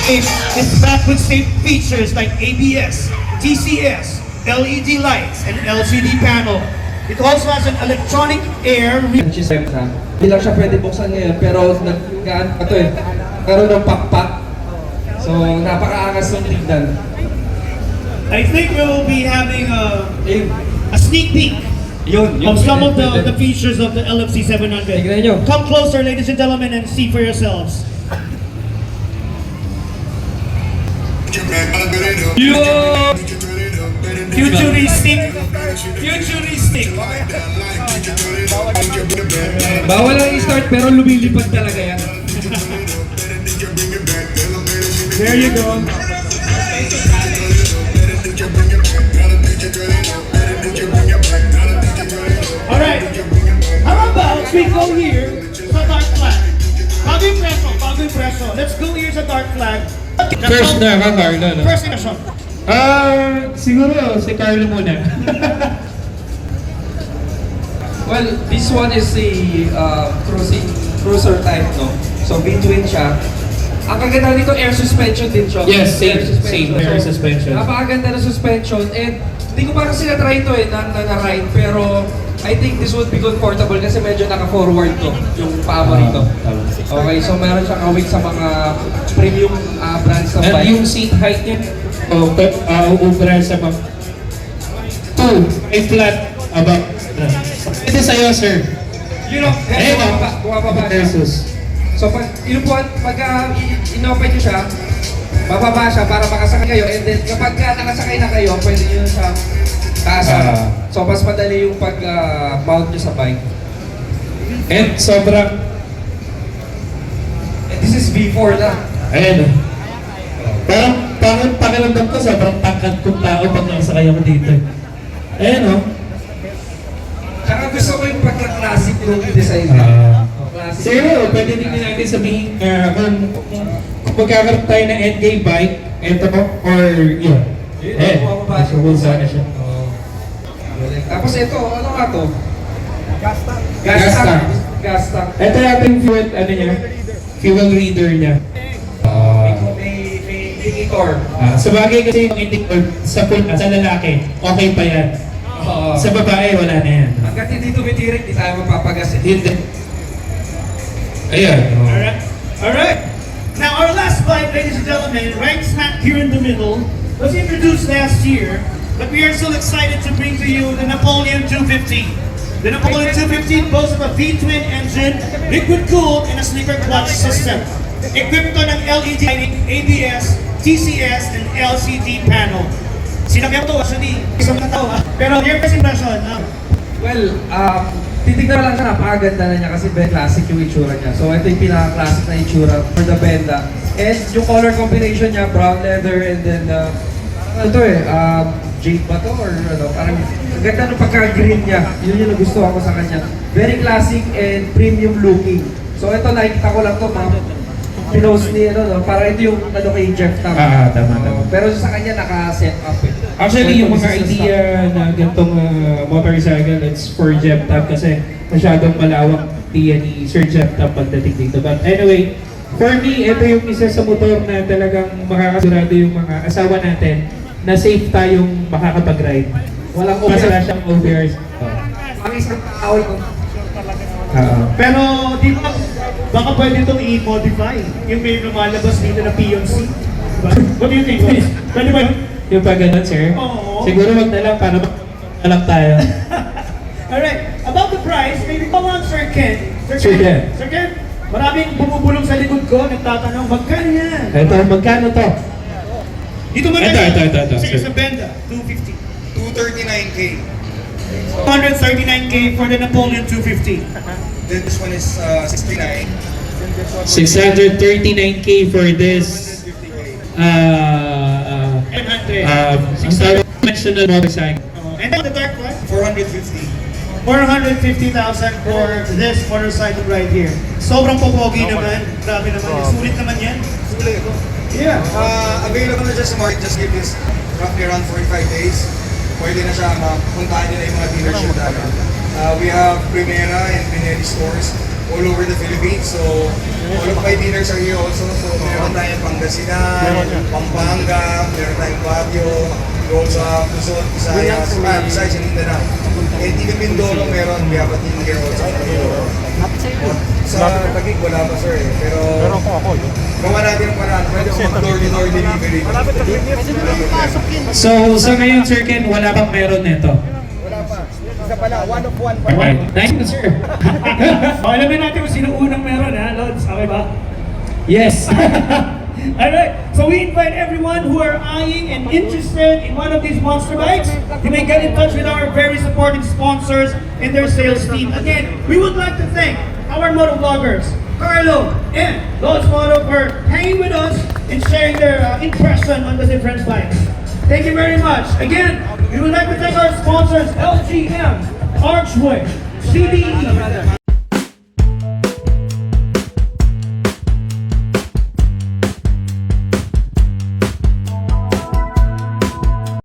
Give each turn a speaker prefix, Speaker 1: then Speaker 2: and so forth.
Speaker 1: is back with safe features like ABS, TCS, LED lights, and LCD panel. It also has an electronic air.
Speaker 2: Hindi lang siya pwede buksan ngayon, pero karoon ng pakpak. So, napakaangas ng tignan.
Speaker 1: I think we will be having a sneak peek of some of the features of the LFC 700. Come closer, ladies and gentlemen, and see for yourselves. Futuristic.
Speaker 2: Bawal lang i-start pero lumilipad talaga yan.
Speaker 1: There you go. Alright, how about we go here sa dark flag? Bago impreso. Let's go here sa dark flag.
Speaker 3: First na ka, Carlo, no?
Speaker 1: First impression.
Speaker 3: Siguro si Carlo muna.
Speaker 2: Well, this one is a cruiser type, no? So, between siya. Ang kaganda nito, air suspension din siya.
Speaker 3: Yes, same air suspension.
Speaker 2: Napakaganda na suspension. And hindi ko pa kasi na-try ito na-ride. Pero I think this would be comfortable kasi medyo naka-forward to yung paa mo rito. Okay, so meron siyang awit sa mga premium brands ng
Speaker 3: And
Speaker 2: bike.
Speaker 3: yung seat height niya, uubra sa mga 2, flat above. Ito sa'yo, sir.
Speaker 2: You know, bumababa siya.
Speaker 3: Versus.
Speaker 2: So pag inopen nyo siya, bababa siya para makasakay kayo. And then kapag nakasakay na kayo, pwede nyo siya taasan. So mas madali yung pag-mount nyo sa bike.
Speaker 3: And sobrang,
Speaker 2: And this is V4 na.
Speaker 3: ayan. Parang pakiramdam ko, sobrang tangkad kong tao pag nakasakay ako dito. Ayan, no?
Speaker 2: Tsaka gusto ko yung pagka-classic look design niya. Classic.
Speaker 3: Siguro, pwede din natin sabihin kung magkakaroon tayo ng NK bike, eto mo, or yun.
Speaker 2: Bumababa siya.
Speaker 3: Subukan sana siya.
Speaker 2: Tapos ito, ano nga to?
Speaker 3: Gas
Speaker 2: Gas tank.
Speaker 3: Ito yung fuel reader niya.
Speaker 2: May indicator.
Speaker 3: Sa bagay kasi yung indicator sa lalaki, okay pa yan. Sa babae, wala na yan.
Speaker 2: Hanggat hindi tumitirik, di tayo mapapagas.
Speaker 3: Hindi. Ayan.
Speaker 1: Alright. Now our last bike, ladies and gentlemen, right smack here in the middle, was introduced last year, but we are still excited to bring to you the Napoleon 250. The Napoleon 250 boasts of a V-twin engine, liquid cooled, and a sleeper clutch system. Equipped to ng LED lighting, ABS, TCS, and LCD panel. Sinakyan to, actually, isang tao ha. Pero your first impression,
Speaker 2: Well, titignan lang siya, napakaganda na niya kasi very classic yung itsura niya. So ito yung pinaka-classic na itsura for the Benda. And yung color combination niya, brown leather and then, jade ba to or ano, parang ang ganda ng pagka-green niya. Yun yung nagustuhan ko sa kanya. Very classic and premium looking. So ito, nakikita ko lang to, pinost ni para ito yung kay Jeff Tam.
Speaker 3: Tama.
Speaker 2: Pero sa kanya naka-set up eh.
Speaker 3: Actually, yung mga idea na ganitong motorcycle, it's for Jeff Tab kasi masyadong malawak ni Sir Jeff Tab pagdating dito. But anyway, for me, ito yung isa sa motor na talagang makakasigurado yung mga asawa natin na safe tayong makakapag-ride.
Speaker 2: Walang
Speaker 3: Wala siyang OBRs.
Speaker 2: Ang isang tao ito.
Speaker 1: pero di ba, baka pwede itong i-modify yung may lumalabas dito na PNC. Diba? What do you think? Pwede ba?
Speaker 3: Yung pag ganun, sir?
Speaker 1: Oo.
Speaker 3: Siguro wag na lang para na lang tayo.
Speaker 1: Alright, about the price, maybe come on, Sir Ken.
Speaker 3: Sir Ken.
Speaker 1: Sir Ken, maraming bumubulong sa likod ko, nagtatanong, magkano yan?
Speaker 3: Ito, magkano to?
Speaker 1: Dito mo
Speaker 3: Ito.
Speaker 1: Sa Benda, 250.
Speaker 4: 239K.
Speaker 1: 239K for the Napoleon 250.
Speaker 4: Then this one is 69.
Speaker 3: 639K for this
Speaker 1: 700.
Speaker 3: conventional motorcycle.
Speaker 1: And then the dark one?
Speaker 4: 450.
Speaker 1: 450,000 for this motorcycle right here. Sobrang popogi naman. Grabe naman. Sulit naman yan.
Speaker 4: Sulit.
Speaker 1: Yeah.
Speaker 4: Available na just sa market. Just give this roughly around 45 days. Pwede na siya mapuntahan nila yung mga dealership namin. We have Primera and Pinelli stores. all over the Philippines. So, all of my dealers are here also. So, meron tayong Pangasinan, Pampanga, meron tayong Baguio, we also have Luzon, Visayas, besides in Mindanao. And even Mindoro meron, we have a team here also. Sa Taguig, wala pa sir eh. Pero gawa natin ang paraan. Pwede ako mag-door-to-door delivery.
Speaker 3: So, sa ngayon, Sir Ken, wala bang meron nito?
Speaker 4: Wala pa. Isa pala, one of one pa.
Speaker 3: Alright, nice one, sir.
Speaker 1: Alamin natin kung sino unang meron, ha, Lods? Okay ba?
Speaker 3: Yes.
Speaker 1: Alright, so we invite everyone who are eyeing and interested in one of these monster bikes, you may get in touch with our very supportive sponsors and their sales team. Again, we would like to thank our motovloggers, Carlo and Lods Moto, for hanging with us and sharing their impression on the different bikes. Thank you very much. Again, we would like to thank our sponsors, LGM, Archway, CDE,